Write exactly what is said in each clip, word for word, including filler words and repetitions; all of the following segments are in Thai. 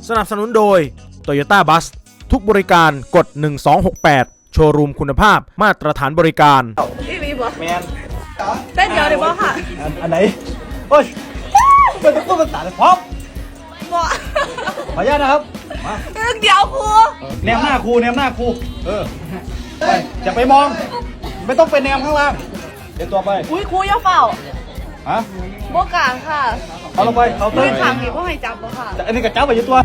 สนับสนุนโดย Toyota Bus ทุกบริการกดหนึ่งสองหกแปดโชว์รูมคุณภาพมาตรฐานบริการพี่วีบอแมนเต้นเดียวเลยบอค่ะอันอันไหนโอ้ยเป็นตัวภาษาพร้อมบอขออนุญาตนะครับมาเต้นเดียวครูแนมหน้าครูแนมหน้าครูเออไปอย่าไปมอง ไม่ต้องเป็นแนมข้างล่างเดี๋ยวตัวไปอุ้ยครูอย่าเฝ้าฮะบกลางค่ะเอาลงไปเขามืตื้อน ขังอีกว่าให้จับบอค่ะอันนี้กระเจ้าไปอยู่ตัว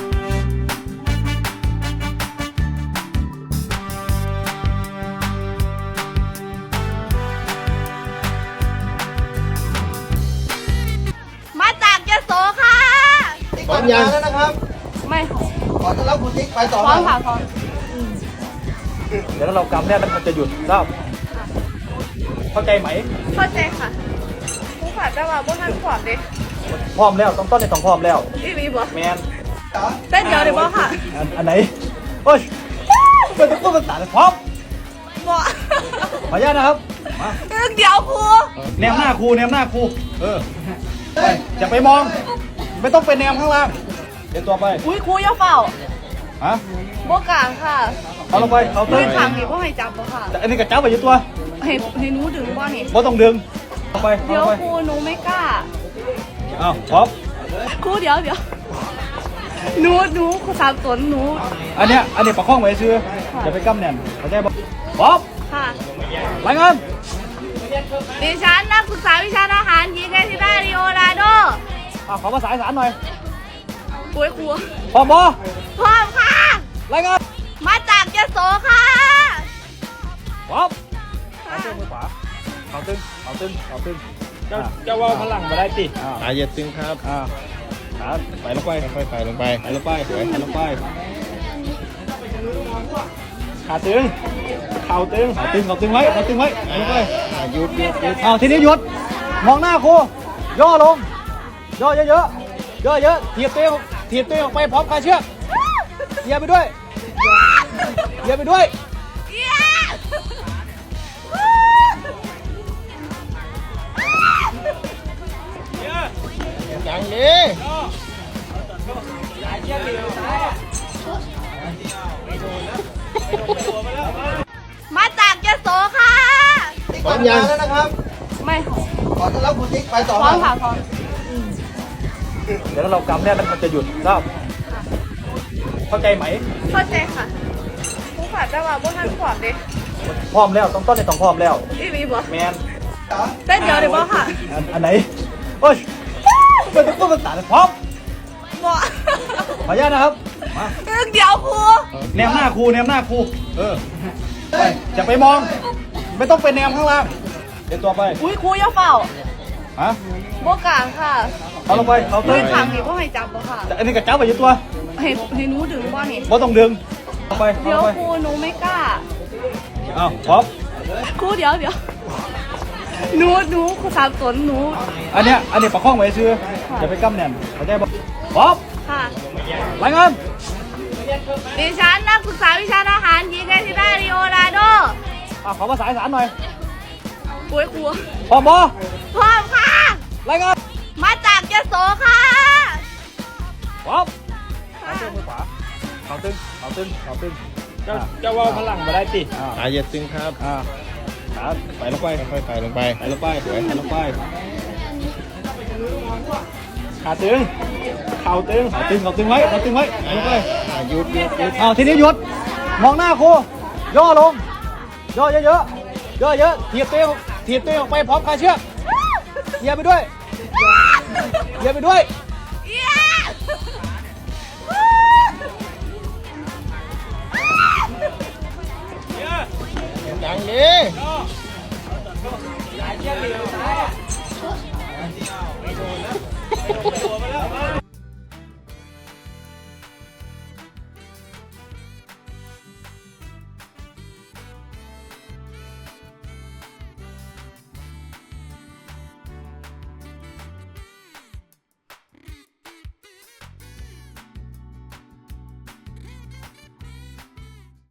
มาจากยโสค่ะพร้อมยังแล้วนะครับไม่ขอต้อนรับคุณติ๊กไปต่อพร้อมค่ะพร้อมเดี๋ยวเรากำเนี่ยมันจะหยุดทราบเข้าใจไหมเข้าใจค่ะครูค่ะแต่ว่าพวกท่านขวบดิพร้อมแล้วต้องต้นในต้องพร้อมแล้วพี่วีบอแมนเต้นเดียวเลยบอค่ะอันอันไหนโอ้ยเป็นตัวภาษาพร้อมบอขออนุญาตนะครับมาเต้นเดียวครูแนมหน้าครูแนมหน้าครูเออไปอย่าไปมอง ไม่ต้องเป็นแนมข้างล่างเดี๋ยวตัวไปอุ้ยครูอย่าเฝ้าฮะบกลางค่ะเอาลงไปเขามืตื้อน ขังอีกว่าให้จับบอค่ะอันนี้กระเจ้าไปอยู่ตัวให้ให้หนูดึงบอนี่ไม่ต้องดึงเอาไปเอาเดี๋ยวไปครูหนูไม่กล้าเอาพร้อมครูเดี๋ยวเดี๋ยวหนูหนูครูสามตนหนูอันเนี้ยอันนี้ประคองไว้ซื้ออย่าไปกำแน่นเข้าใจบ่พร้อมค่ะรายงานดิฉันนักศึกษาวิชาทหารหญิงเอทิดาริโอราโดอ่ะขอภาษาอีสานหน่อยป่วยครูพร้อมบ่พร้อมค่ะรายงานมาจากยโสค่ะพร้อมเอาเส้นมือขวาเขาตึงเขาตึงเขาตึงเจ้าเจ้าว่าพลังมาได้ติอ่าสายเหยียดตึงครับอ่าขาไปลงไปค่อยๆใส่ลงไปไปลงไปสวยไปลงไปขาตึงเข่าตึงเข่าตึงเข่าตึงไว้เข่าตึงไว้ไปลงไปอ่าหยุดหยุดหยุดเอาทีนี้หยุดมองหน้าครูย่อลงย่อเยอะๆย่อเยอะถีบตัวเองถีบตัวเองออกไปพร้อมคลายเชือกเหยียบไปด้วยเหยียบไปด้วยเย้จังดิมาจากยโสค่ะพร้อมยังแล้วนะครับไม่ขอต้อนรับคุณติ๊กไปต่อพร้อมค่ะพร้อมเดี๋ยวเรากำเนี่ยมันจะหยุดทราบเข้าใจไหมเข้าใจค่ะครูค่ะแต่ว่าพวกท่านขวบดิพร้อมแล้วต้องต้นในต้องพร้อมแล้วพี่วีบอแมนเต้นเดียวเลยบอค่ะอันอันไหนโอ้ยเป็นตัวภาษาพร้อมบอขออนุญาตนะครับมาเต้นเดียวครูแนมหน้าครูแนมหน้าครูเออไปอย่าไปมอง ไม่ต้องเป็นแนมข้างล่างเดี๋ยวตัวไปอุ้ยครูอย่าเฝ้าฮะบกลางค่ะเอาลงไปเขามืตื้อน ขังอีกว่าให้จับบอค่ะอันนี้กระเจ้าไปอยู่ตัวให้ให้หนูดึงบอนี่ไม่ต้องดึงเอาไปเอาเดี๋ยวไปครูหนูไม่กล้าเอาพร้อมครูเดี๋ยวเดี๋ยวหนูหนูครูสามตนหนูอันเนี้ยอันนี้ประคองไว้ซื้ออย่าไปกำแน่นเข้าใจบ่พร้อมค่ะรายงานดิฉันนักศึกษาวิชาทหารหญิงเอทิดาริโอราโดอ่ะขอภาษาอีสานหน่อยป่วยครูพร้อมบ่พร้อมค่ะรายงานมาจากยโสค่ะพร้อมค่ะเส้นมือขวาเขาตึงเขาตึงเขาตึงเจ้าเจ้าว่าพลังมาได้ติอ่าสายเหยียดตึงครับอ่าขาไปลงไปค่อยๆใส่ลงไปไปลงไปสวยไปลงไปขาตึงเข่าตึงเข่าตึงเข่าตึงไว้เข่าตึงไว้ไปลงไปอ่าหยุดหยุดหยุดเอาทีนี้หยุดมองหน้าครูย่อลงย่อเยอะๆย่อเยอะถีบตัวเองถีบตัวเองออกไปพร้อมคลายเชือกเหยียบไปด้วยเหยียบไปด้วยเย้จังดิ